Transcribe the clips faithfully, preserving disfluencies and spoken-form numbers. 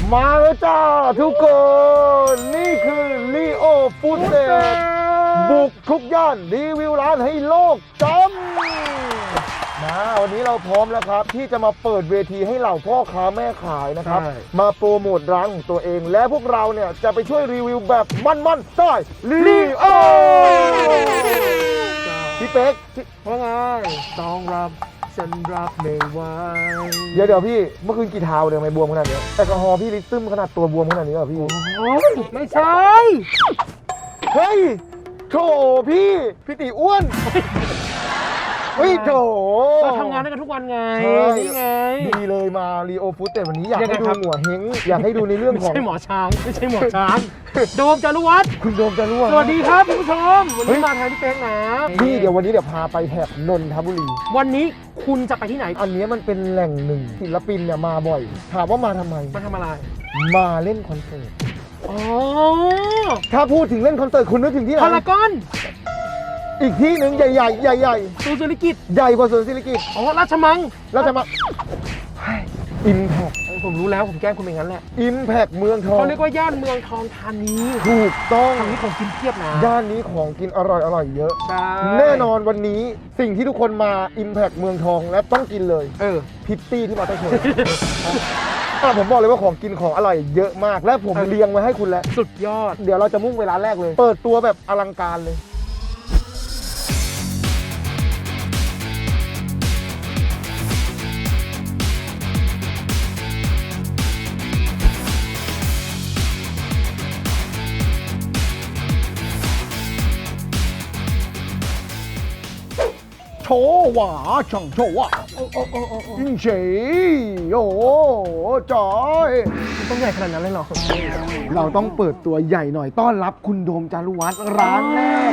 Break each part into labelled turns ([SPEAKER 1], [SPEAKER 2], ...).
[SPEAKER 1] มาแล้วจ้าทุกคน นี่คือลีโอฟู้ดเซตบุกทุกย่านรีวิวร้านให้โลกจำนะวันนี้เราพร้อมแล้วครับ ที่จะมาเปิดเวทีให้เหล่าพ่อค้าแม่ขายนะครับ มาโปรโมทร้านของตัวเอง และพวกเราเนี่ยจะไปช่วยรีวิวแบบมันๆได้ลีโอพี่เป๊กว่าไงต้องรับฉันรับไม่ไหวเดี๋ยวเดี๋ยวพี่เมื่อคืนกี่เท้าเดี๋ยวไม่บวมขนาดนี้แอลกอฮอล์พี่ลิตรซึมขนาดตัวบวมขนาดนี้เหรอพี่โอ้ยไม่ใช่เฮ้ยโถพี่พี่ตีอ้วนเฮ้ยโถ
[SPEAKER 2] เราทำงานด้วยกันทุกวันไงนี่ไง
[SPEAKER 1] ดีเลยมารีโอฟู้ดแต่วันนี้อยากให้ดูหัวเฮงอยากให้ดูในเรื่องของ
[SPEAKER 2] ไม่ใช่หมอช้างไม่ใช่หมอช้างโดมจารุวัฒน์
[SPEAKER 1] คุณโดมจารุวัฒน์
[SPEAKER 2] สวัสดีครับคุณผู้ชมวันนี้มาทางพี่เป๊กนะ
[SPEAKER 1] พี่เดี๋ยววันนี้เดี๋ยวพาไปแถบนนทบุรี
[SPEAKER 2] วันนี้คุณจะไปที่ไหน
[SPEAKER 1] อันนี้มันเป็นแหล่งหนึ่งศิลปินเนี่ยมาบ่อยถามว่ามาทำไม
[SPEAKER 2] มาทำอะไร
[SPEAKER 1] มาเล่นคอนเสิร์ต
[SPEAKER 2] อ๋อ
[SPEAKER 1] ถ้าพูดถึงเล่นคอนเสิร์ตคุณนึกถึงที่ไหน
[SPEAKER 2] พารากอน
[SPEAKER 1] อีกที่หนึ่งใหญ่ใหญ่ใหญ่ใหญ่
[SPEAKER 2] ศูนย์ศิริกิติ์
[SPEAKER 1] ใหญ่กว่าศูนย์ศิริกิติ์
[SPEAKER 2] อ๋อราชมัง
[SPEAKER 1] ราชมังอิมแพค
[SPEAKER 2] ผมรู้แล้วผมแกล้งคุณเป็นงั้นแหละ
[SPEAKER 1] อิมแพคเมืองทอง
[SPEAKER 2] เขาเรียกว่าย่านเมืองทองธานี
[SPEAKER 1] ถูกต้อง
[SPEAKER 2] ทางนี้ของกินเพียบนะ
[SPEAKER 1] ย่านนี้ของกินอร่อยอร่อยเยอะ
[SPEAKER 2] ใช่
[SPEAKER 1] แน่นอนวันนี้สิ่งที่ทุกคนมาอิมแพคเมืองทองและต้องกินเลย
[SPEAKER 2] เออ
[SPEAKER 1] พิตตี้ที่มาต้องชนผมบอกเลยว่าของกินของอร่อยเยอะมากและผมเรียงไว้ให้คุณแล้ว
[SPEAKER 2] สุดยอด
[SPEAKER 1] เดี๋ยวเราจะมุ่งเวลาแรกเลยเปิดตัวแบบอลังการเลยโชว่าช่างโชว่าโอ้โอ้โอ้โอ้ยิ่งเฉยโอ้จอย
[SPEAKER 2] ต้องใหญ่ขนาดนั้นเลยเหรอ
[SPEAKER 1] เราต้องเปิดตัวใหญ่หน่อยต้อนรับคุณโดมจารุวัฒน์ร้านแรก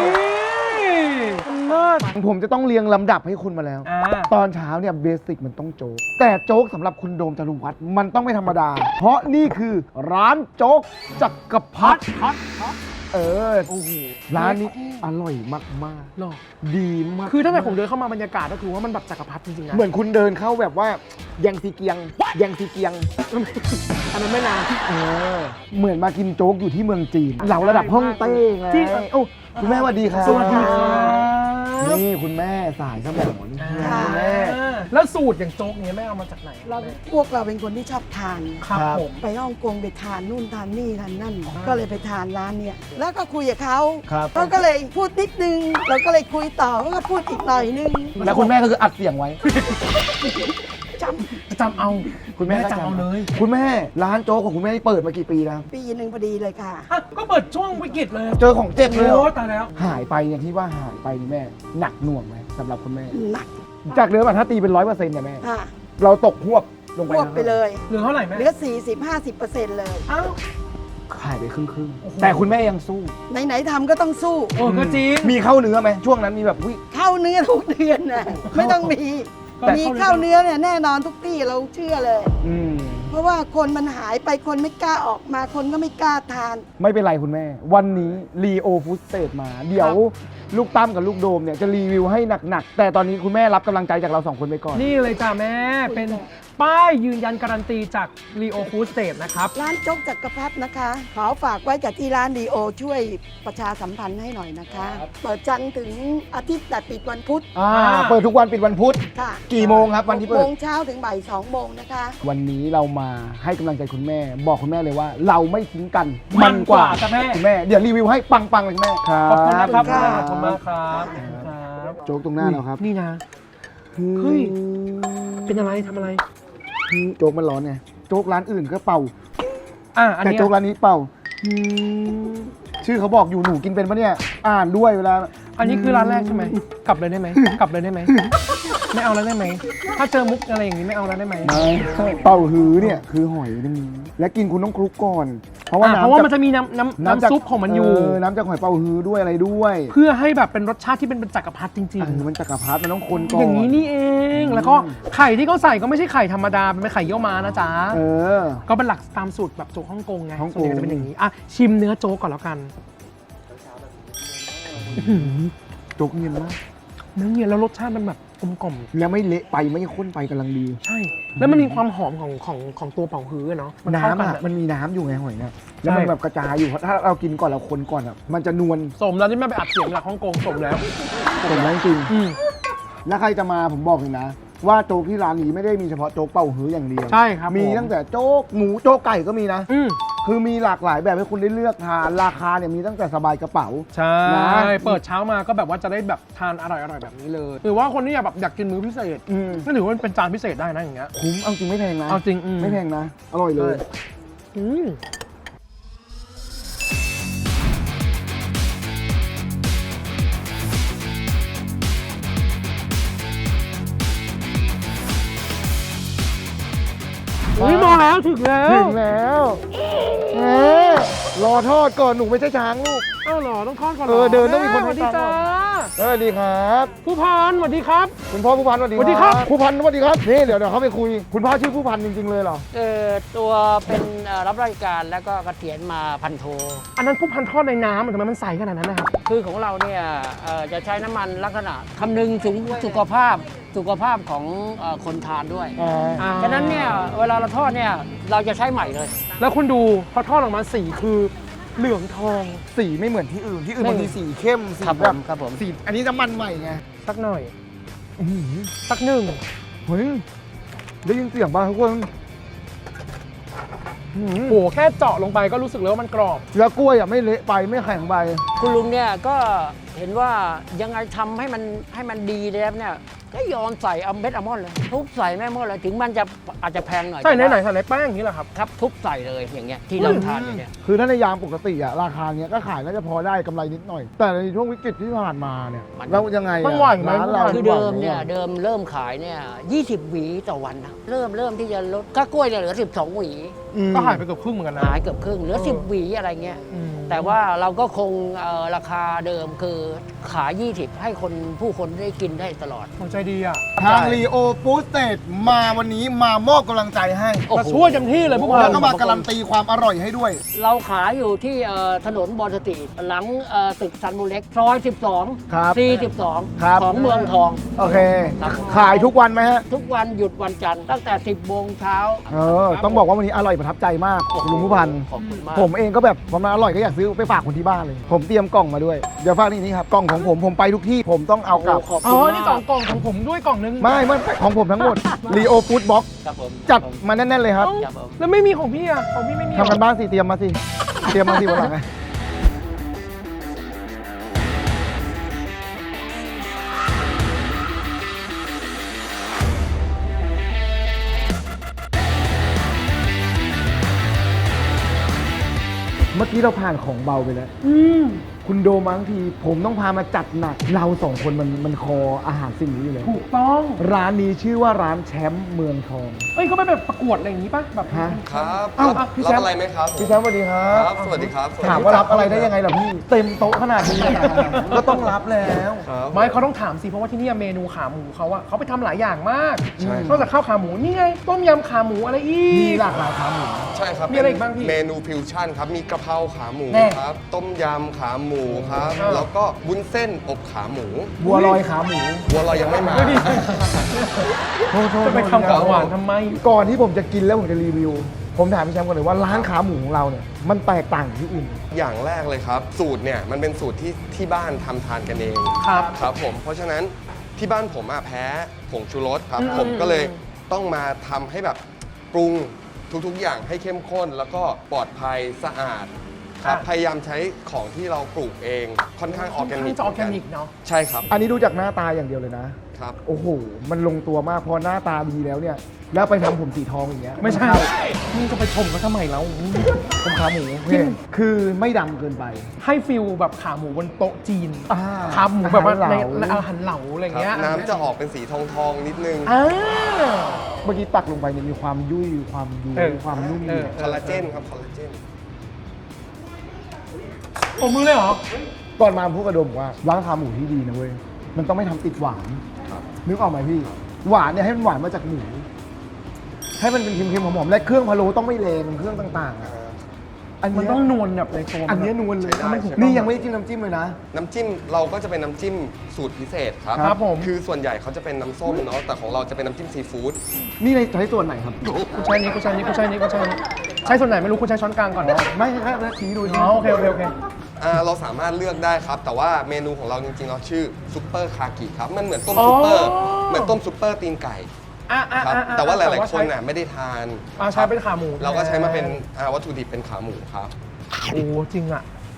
[SPEAKER 1] ผมจะต้องเรียงลำดับให้คุณมาแล้วตอนเช้าเนี่ยเบสิกมันต้องโจ๊กแต่โจ๊กสำหรับคุณโดมจารุวัฒน์มันต้องไม่ธรรมดาเพราะนี่คือร้านโจ๊กจักรพรรดิเออโอ้โหร้านนี้อร่อยมากมาก
[SPEAKER 2] หรอ
[SPEAKER 1] ดีมาก
[SPEAKER 2] คือถ้าแบบผมเดินเข้ามาบรรยากาศก็คือว่ามันแบบจักรพรรดิจริงๆนะ
[SPEAKER 1] เหมือนคุณเดินเข้าแบบว่ายังซีเกียงยังซีเกียง
[SPEAKER 2] อันนั้นไม่นาน
[SPEAKER 1] เออเหมือนมากินโจ๊กอยู่ที่เมืองจีนเหล่าระดับฮ่องเต้ไงโอ้คุณแม่สวัสดีครับ
[SPEAKER 2] สวัสดีครับ
[SPEAKER 1] นี่คุณแม่สายสมองคุณแม่
[SPEAKER 2] แล้วสูตรอย่างโจ๊กเนี้ยแม่เอามาจากไหน
[SPEAKER 3] เราพวกเราเป็นคนที่ชอบทาน
[SPEAKER 2] ครับผม
[SPEAKER 3] ไปฮ่องกงไปทานนู่นทานนี่ทานนั่นก็เลยไปทานร้านเนี้ยแล้วก็คุยกับเขาเขาก็เลยพูดนิดนึงเราก็เลยคุยต่อเขาก็พูดอีกหน่อยนึง
[SPEAKER 1] แล้วคุณแม่ก็คืออัดเสียงไว้
[SPEAKER 3] จ
[SPEAKER 2] ำจำเอา
[SPEAKER 1] คุณแม่จำเอาเลยคุณแม่ร้านโจ๊กของคุณแม่เปิดมากี่ปีแล้ว
[SPEAKER 3] ปีหนึ่งพอดีเลยค่ะ
[SPEAKER 2] ก็เปิดช่วงวิกฤตเลย
[SPEAKER 1] เจอของเจ็บเลย
[SPEAKER 2] โอ้ตายแล้ว
[SPEAKER 1] หายไปอย่างที่ว่าหายไปนี่แม่หนักหน่วงไหมสำหรับคุณแม่
[SPEAKER 3] หนัก
[SPEAKER 1] จากเดิมถ้าตีเป็นร้อยเปอร์เซ็นต์เนี่ยแม่เราตกหวบลงไป
[SPEAKER 3] หวบไปเลย
[SPEAKER 2] เหลือเท่าไหร่แม่
[SPEAKER 3] เหลือสี่สิบห้าสิบเปอร์เซ็นต์เลย
[SPEAKER 2] อ้าว
[SPEAKER 1] ขายไปครึ่งครึ่งแต่คุณแม่ยังสู้
[SPEAKER 3] ไหนๆทำก็ต้องสู้
[SPEAKER 2] โอ้ก็จริง
[SPEAKER 1] มีเข้าเนื้อไหมช่วงนั้นมีแบบวิ
[SPEAKER 3] เข้าเนื้อทุกเดือนนะไม่ต้องมีมีเข้าเนื้อเนี่ยแน่นอนทุกที่เราเชื่อเลยเพราะว่าคนมันหายไปคนไม่กล้าออกมาคนก็ไม่กล้าทาน
[SPEAKER 1] ไม่เป็นไรคุณแม่วันนี้รีโอฟู้ดสเตทมาเดี๋ยวลูกตั้มกับลูกโดมเนี่ยจะรีวิวให้หนักๆแต่ตอนนี้คุณแม่รับกำลังใจจากเราสองคนไปก่อน
[SPEAKER 2] นี่เลยจ้าแม่เป็นป้ายยืนยันการันตีจาก Leo Food State นะครับ
[SPEAKER 3] ร้านโจ๊กจักรพรรดินะคะขอฝากไว้กับที่ร้าน Leo ช่วยประชาสัมพันธ์ให้หน่อยนะคะเปิดจันทร์ถึงอาทิตย์แต่ปิดวันพุธ
[SPEAKER 1] อ่าเปิดทุกวันปิดวันพุธ
[SPEAKER 3] ค่ะ
[SPEAKER 1] กี่โมงครับวันที่เปิด
[SPEAKER 3] โมงเช้าถึงบ่ายสองโมงนะคะ
[SPEAKER 1] วันนี้เรามาให้กำลังใจคุณแม่บอกคุณแม่เลยว่าเราไม่ทิ้งกัน
[SPEAKER 2] มันกว่า
[SPEAKER 1] คุณแม่คุณแม่เดี๋ยวรีวิวให้ปังๆเลยคุณแม่
[SPEAKER 2] ขอบคุณนะครับขอบคุณมากครับ
[SPEAKER 1] โจ๊กตรงหน้าเราครับ
[SPEAKER 2] นี่นะเฮ้ยเป็นอะไรทำอะไร
[SPEAKER 1] โจ๊กมันร้อนไงโจ๊กร้านอื่นก็เป่า
[SPEAKER 2] อ่า
[SPEAKER 1] แต่โจ๊กร้านนี้เป่าชื่อเขาบอกอยู่หนูกินเป็นปะเนี่ยอ่านด้วยเวลา
[SPEAKER 2] อันนี้คือร้านแรกใช่ไหมกลับเลยได้ไหมกลับเลยได้ไหมไม่เอาแล้วได้ไหมถ้าเจอมุกอะไรอย่างนี้ไม่เอาแล้วได้ไหม
[SPEAKER 1] ไม่เป่าฮื้อเนี่ยคือหอยนึงและกินคุณต้องคลุกก่อนเพราะว่า
[SPEAKER 2] เพราะว่ามันจะมีน้ำน้ำน้ำซุปของมันอยู่
[SPEAKER 1] น้ำจากหอยเป่าฮื้อด้วยอะไรด้วย
[SPEAKER 2] เพื่อให้แบบเป็นรสชาติที่เป็นจักรพรรดิจริง
[SPEAKER 1] ๆมันจักรพรรดิมันต้องคนก่อน
[SPEAKER 2] อย่างนี้นี่เองแล้วก็ไข่ที่เขาใส่ก็ไม่ใช่ไข่ธรรมดาเป็นไข่เยี่ยวม้านะจ๊ะ
[SPEAKER 1] เออ
[SPEAKER 2] ก็เป็นหลักตามสูตรแบบโจ๊กฮ่องกงไงส่วนใหญ่จะเป็นอย่างนี้อ่ะชิมเนื้อโจ๊กก่อนแล้วกัน
[SPEAKER 1] โจ๊กเนียนมาก
[SPEAKER 2] เนื้อเนียนแล้วรสชาติมันแบบกกลมกล่อม
[SPEAKER 1] แล้วไม่เละไปไม่ข้นไปกำลังดี
[SPEAKER 2] ใช่ แล้วมันมีความหอมของของของตัวเป่าฮื้อเนาะมัเข้า
[SPEAKER 1] น้ำ
[SPEAKER 2] กั
[SPEAKER 1] อ่ะมันมีน้ำอยู่ไงหอยเนี่ยแล้ว
[SPEAKER 2] ใช่
[SPEAKER 1] มันแบบกระจายอยู่เพราะถ้าเรากินก่อนเราคนก่อนอ่ะมันจะนวล
[SPEAKER 2] สมแล้วที่แม่ไปอัดเสียงหลักฮ่องกงสมแล้ว
[SPEAKER 1] สมแล้วจริง
[SPEAKER 2] อืม
[SPEAKER 1] แล้วใครจะมาผมบอกเลยนะ ว่าโจ๊กที่ร้านนี้ไม่ได้มีเฉพาะโจ๊กเป่าฮื้ออย่างเดียว
[SPEAKER 2] ใช่ครับ
[SPEAKER 1] มี
[SPEAKER 2] ผ
[SPEAKER 1] ตั้งแต่โจ๊กหมูโจ๊กไก่ก็มีนะ
[SPEAKER 2] อืม
[SPEAKER 1] คือมีหลากหลายแบบให้คุณได้เลือกทานราคาเนี่ยมีตั้งแต่สบายกระเป๋า
[SPEAKER 2] ใช่
[SPEAKER 1] นะ
[SPEAKER 2] เปิดเช้ามาก็แบบว่าจะได้แบบทานอร่อยอร่อยแบบนี้เลยหรือว่าคนที่อยากแบบอยากกินมื้อพิเศษ
[SPEAKER 1] อืม
[SPEAKER 2] ก็ถือว่าเป็นจานพิเศษได้นะอย่างเงี้ย
[SPEAKER 1] คุ้มเอาจริงไม่แพงนะ
[SPEAKER 2] เอาจริงอืม
[SPEAKER 1] ไม่แพงนะ อร่อยเลย
[SPEAKER 2] อืมอุ้ยมาแล้วถึงแล้ว
[SPEAKER 1] ถึงแล้วเอ๊ะรอทอดก่อนหนูไม่ใช่ช้างลูก
[SPEAKER 2] เอ้าเหรอต้องทอดก่อนหร
[SPEAKER 1] เออเดินต้องมีคน
[SPEAKER 2] ส
[SPEAKER 1] ให้
[SPEAKER 2] วัสดี
[SPEAKER 1] ทานก่
[SPEAKER 2] จ้า
[SPEAKER 1] อน สวัสดีครับ
[SPEAKER 2] ผู้พันสวัสดีครับ
[SPEAKER 1] คุณพ่อผู้พันสวัสดี
[SPEAKER 2] สวัสดีครับ
[SPEAKER 1] ผู้พันสวัสดีครับนี่เดี๋ยวเดี๋ยวเขาไปคุย คุณพ่อชื่อผู้พันจริงๆเลยเหรอ
[SPEAKER 4] เออตัวเป็นเอ่อรับราชการแล้วก็เกษียณมาพันโท
[SPEAKER 2] อันนั้นผู้พันทอดในน้ำทำไมมันใสขนาดนั้นนะครับ
[SPEAKER 4] คือของเราเนี่ยเอ่อจะใช้น้ำมันลักษณะคำนึงถึงสุขภาพสุขภาพของเอ่อคนทานด้วย
[SPEAKER 1] อ่า
[SPEAKER 2] อ่า
[SPEAKER 4] ฉะนั้นเนี่ยเวลาเราทอดเนี่ยเราจะใช้ใหม่เลย
[SPEAKER 2] แล้วคุณดูพอทอดออกมาสีคือเหลืองทอง
[SPEAKER 1] สีไม่เหมือนที่อื่นที่อื่น
[SPEAKER 4] ไม่
[SPEAKER 1] บางทีสีเข้มสี
[SPEAKER 4] ครับผ
[SPEAKER 1] แบบ
[SPEAKER 4] มครับผม
[SPEAKER 1] สีอันนี้น้ำมันใหม่ไง
[SPEAKER 2] สักหน่อย
[SPEAKER 1] อื้อหือ
[SPEAKER 2] สักหนึ่ง
[SPEAKER 1] เฮ้ยได้ยินเสียงป่ะทุกคนอื้อหือ
[SPEAKER 2] โหแค่เจาะลงไปก็รู้สึกเลยว่ามันกรอบ
[SPEAKER 1] แล้วกล้วยอ่ะไม่เละไปไม่แข็งไป
[SPEAKER 4] คุณลุงเนี่ยก็เห็นว่ายังไงทำให้มันให้มันดีแล้วเนี่ยก็ยอมใส่เอาเม็ดอัลมอนด์เลยทุบใส่แม่หมดเลยถึงมันจะอาจจะแพงหน่อย
[SPEAKER 2] ใส่ในไหน
[SPEAKER 4] แต่ว่า
[SPEAKER 2] ใส่ในแป้งอย่างนี้เหรอครับ
[SPEAKER 4] ครับทุบใส่เลยอย่างเงี้ยที่เราทานอยู่เนี่ย
[SPEAKER 1] คือถ้าในยามปกติอะราคาเนี้ยก็ขายน่าจะพอได้กำไรนิดหน่อย แต่ในช่วงวิกฤตที่ผ่านมาเนี่ย
[SPEAKER 4] มัน
[SPEAKER 1] แล้วยังไงอะ
[SPEAKER 2] มันไหวไหม
[SPEAKER 1] ร้านเรา
[SPEAKER 4] คือ
[SPEAKER 1] ไหว
[SPEAKER 4] เดิม
[SPEAKER 1] ไห
[SPEAKER 4] เนี่ยเดิมเริ่มขายเนี่ยยี่สิบหวีต่อวันนะเริ่มเริ่มที่จะลดก้ากล้วยเนี่ยเหลือสิบสองหวี
[SPEAKER 1] อืม
[SPEAKER 2] ก็หายไปเกือบครึ่งเหมือนกันนะ
[SPEAKER 4] หายเกือบครึ่งเหลือ
[SPEAKER 2] เออ
[SPEAKER 4] สิบหวีอะไรเงี้ย
[SPEAKER 2] อืม
[SPEAKER 4] แต่ว่าเราก็คงเอ่อราคาเดิมคือขายยี่สิบให้คนผู้คนได้กินได้ตลอด
[SPEAKER 2] หัวใจดีอ่ะ
[SPEAKER 1] ทางรีโอฟู้ดสเตทมาวันนี้มามอบกำลังใจให้
[SPEAKER 4] โอ้โห
[SPEAKER 2] มาช่วยเต็มที่เลยผู้พั
[SPEAKER 1] แล้ว
[SPEAKER 2] น
[SPEAKER 1] ก็มาการันตีความอร่อยให้ด้วย
[SPEAKER 4] เราขายอยู่ที่เอ่อถนนบอลสตรีทหลังเอ่อตึกซันมูเล็กซอยสิบสอง
[SPEAKER 1] ครับ
[SPEAKER 4] ซีสิบสอง
[SPEAKER 1] ครับ
[SPEAKER 4] ของเมืองทอง
[SPEAKER 1] โอเค
[SPEAKER 4] ครับ
[SPEAKER 1] ขายทุกวันไหมฮะ
[SPEAKER 4] ทุกวันหยุดวันจันทร์ตั้งแต่สิบโมงเช้า
[SPEAKER 1] เออ ต้องบอกว่าวันนี้อร่อยประทับใจมากคุณลุงผู้พัน
[SPEAKER 4] ขอบคุณมาก
[SPEAKER 1] ผมเองก็แบบพอมาอร่อยก็อยากซื้อไปฝากคนที่บ้านเลย ผมเตรียมกล่องมาด้วย เดี๋ยวฝากนี่นี่ครับ กล่องของผมผมไปทุกที่ผมต้องเอากลับ
[SPEAKER 4] ขอบ
[SPEAKER 2] อ๋
[SPEAKER 4] คุ
[SPEAKER 2] อ
[SPEAKER 4] ณ
[SPEAKER 2] นี่
[SPEAKER 4] มาก
[SPEAKER 2] กล่องกล่องของผมด้วยกล่องนึง
[SPEAKER 1] ไม่ไม่ของผมทั้งหมดรีโอฟู้ดบ็อก
[SPEAKER 4] ครับผม
[SPEAKER 1] จัดมาแน่นๆเลยครับ
[SPEAKER 4] ครับผม
[SPEAKER 2] แล้วไม่มีของพี่อ่ะของพี่ไม่มีเหรอ
[SPEAKER 1] ทำกันบ้านสิ เตรียมมาสิ เตรียมมาสิวันหลังไง เมื่อกี้เราผ่านของเบาไปแล้ว
[SPEAKER 2] อืม
[SPEAKER 1] คุณโดมาทั้งที ผมต้องพามาจัดหนัก เราสองคนมันมันคออาหารสิ่งนี้อยู่แล้ว
[SPEAKER 2] ถูกต้อง
[SPEAKER 1] ร้านนี้ชื่อว่าร้านแชมป์เมืองทอง
[SPEAKER 2] เอ้ยเขาไปแบบประกวดอะไรอย่างนี้ป่ะแบบ
[SPEAKER 1] ฮะ
[SPEAKER 5] ครับ
[SPEAKER 1] อ้าว
[SPEAKER 5] รับ
[SPEAKER 1] พี่
[SPEAKER 5] รั
[SPEAKER 1] แช
[SPEAKER 5] บ
[SPEAKER 1] มป์
[SPEAKER 5] อะไรไหมครับ
[SPEAKER 1] พี่แชมป์สวัสดีครั
[SPEAKER 5] ครับ บ สวัสดีครับ
[SPEAKER 1] ถามว่ารับอะไรได้ยังไงล่ะพี่ เต็มโต๊ะขนาดนี้ ก็ต้องรับแล้ว
[SPEAKER 5] ครับ
[SPEAKER 2] ไม่เขาต้องถามสิเพราะว่าที่นี่เมนูขาหมูเขาอะเขาไปทำหลายอย่างมาก
[SPEAKER 5] ใช่
[SPEAKER 2] นอกจากข้าวขาหมูนี่ไงต้มยำขาหมูอะไรอี
[SPEAKER 1] มี
[SPEAKER 2] ก
[SPEAKER 1] หลากหลายขาหมู
[SPEAKER 5] ใช่ครับ
[SPEAKER 2] มีอะไรอีกบ้างพี่
[SPEAKER 5] เมนูฟิวชั่นครับ มีกะเพราขาหมู
[SPEAKER 2] แน่
[SPEAKER 5] ครับ ต้มยำขาหมูครับ
[SPEAKER 2] เออ
[SPEAKER 5] แล้วก็วุ้นเส้นอบขาหมู
[SPEAKER 1] บัวลอยขาหมู
[SPEAKER 5] บัวลอยยังไม่มา
[SPEAKER 2] ดูดิ
[SPEAKER 1] โทษโทษ
[SPEAKER 2] จะไปทำของหวานทำไม
[SPEAKER 1] ก่อนที่ผมจะกินแล้วผมจะรีวิว ผมถามพี่แชมป์ก่อนเลยว่าร้านขาหมูของเราเนี่ยมันแตกต่างจากที่อื่น
[SPEAKER 5] อย่างแรกเลยครับ สูตรเนี่ยมันเป็นสูตรที่ที่บ้านทำทานกันเอง
[SPEAKER 2] ครับ
[SPEAKER 5] ครับผม เพราะฉะนั้นที่บ้านผมอะแพ้ผงชูรสครับ
[SPEAKER 2] อืม
[SPEAKER 5] ผมก็เลยต้องมาทำให้แบบปรุงทุกๆอย่างให้เข้มข้น แล้วก็ปลอดภัยสะอาดครับพยายามใช้ของที่เราปลูกเองค่อนข้างออร์แกนิก
[SPEAKER 2] จะออร์แกนิกเนาะ
[SPEAKER 5] ใช่ครับ
[SPEAKER 1] อันนี้ดูจากหน้าตาอย่างเดียวเลยนะ
[SPEAKER 5] ครับ
[SPEAKER 1] โอ้โห มันลงตัวมากพอหน้าตาดีแล้วเนี่ย แล้วไปทำผมสีทองอย่างเงี้ย
[SPEAKER 2] ไม่ใช่
[SPEAKER 1] เข้า
[SPEAKER 2] มึงจะไปชมเขาทำไมแล้ว
[SPEAKER 1] ผมขาหมูเนี่ยคือไม่ดำเกินไป
[SPEAKER 2] ให้ฟิลแบบขาหมูบนโต๊ะจีน
[SPEAKER 1] อ่า
[SPEAKER 2] ขาหมูแบบว่า
[SPEAKER 1] อาหาร
[SPEAKER 2] ใน
[SPEAKER 1] เหลา
[SPEAKER 2] ในอาหารเหลาอะไรอย่างเงี้ย
[SPEAKER 5] น้ำจะออกเป็นสีทองทองๆนิดนึง
[SPEAKER 2] อ่า
[SPEAKER 1] เมื่อกี้ตักลงไปเนี่ยมีความยุ่ยความยู
[SPEAKER 2] เออ
[SPEAKER 1] ความนุ่ม
[SPEAKER 2] เออ
[SPEAKER 5] คอลลาเจนครับ คอลลาเจน
[SPEAKER 2] ผมมือเลยเหรอ
[SPEAKER 1] ก่อนมาพูดกระดมว่าร้านขาหมูที่ดีนะเว้ย มันต้องไม่ทำติดหวาน นึกออกไหมพี่ หวานเนี่ยให้มันหวานมาจากหมู ให้มันเป็นเค็มๆหอมๆและเครื่องพะโล้ต้องไม่แรงเครื่องต่างๆอะอัน
[SPEAKER 2] มัน
[SPEAKER 1] เนี้ย
[SPEAKER 2] ต้องนวลแบบในตัว
[SPEAKER 1] อันเนี้ยนวลเลย
[SPEAKER 5] ใช้ได้ใช้ได้
[SPEAKER 1] นี่ยังไม่ได้จิ้มน้ำจิ้มเลยนะ
[SPEAKER 5] น้ำจิ้มเราก็จะเป็นน้ำจิ้มสูตรพิเศษครับ
[SPEAKER 2] ครับผม
[SPEAKER 5] คือส่วนใหญ่เขาจะเป็นน้ำส้มเนาะแต่ของเราจะเป็นน้ำจิ้มซีฟู้ด
[SPEAKER 1] นี่ในใช้ส่วนไหนครับ
[SPEAKER 2] กูใช้นี้กูใช้นี้กูใช้นี้กูใช้นี้ใช้ส่วนไหนไม่รู้กูใช้ช้อนกลางก่อน
[SPEAKER 1] ไม่ใช่ครับชี้ดู
[SPEAKER 2] อ๋อโอเคโอเคโอเค
[SPEAKER 5] อ่าเราสามารถเลือกได้ครับ แต่ว่าเมนูของเราจริงๆเราชื่อซุปเปอร์คากิครับมันเหมือนต้ม
[SPEAKER 2] อ๋อ
[SPEAKER 5] ซุปเปอร์เหมือนต้มซุปเปอร์ตีนไก่
[SPEAKER 2] อ่ะอ่ะ
[SPEAKER 5] ครับ
[SPEAKER 2] อ่ะอ่ะ
[SPEAKER 5] แต่ว่าหลายๆคน
[SPEAKER 2] ใช้
[SPEAKER 5] น่ะไม่ได้ทาน
[SPEAKER 2] อ่าใช้เป็นขาหมู
[SPEAKER 5] เราก็ใช้มาเป็นอ่าวัตถุดิบเป็นขาหมูครับ
[SPEAKER 2] โอ้จริงอ่ะ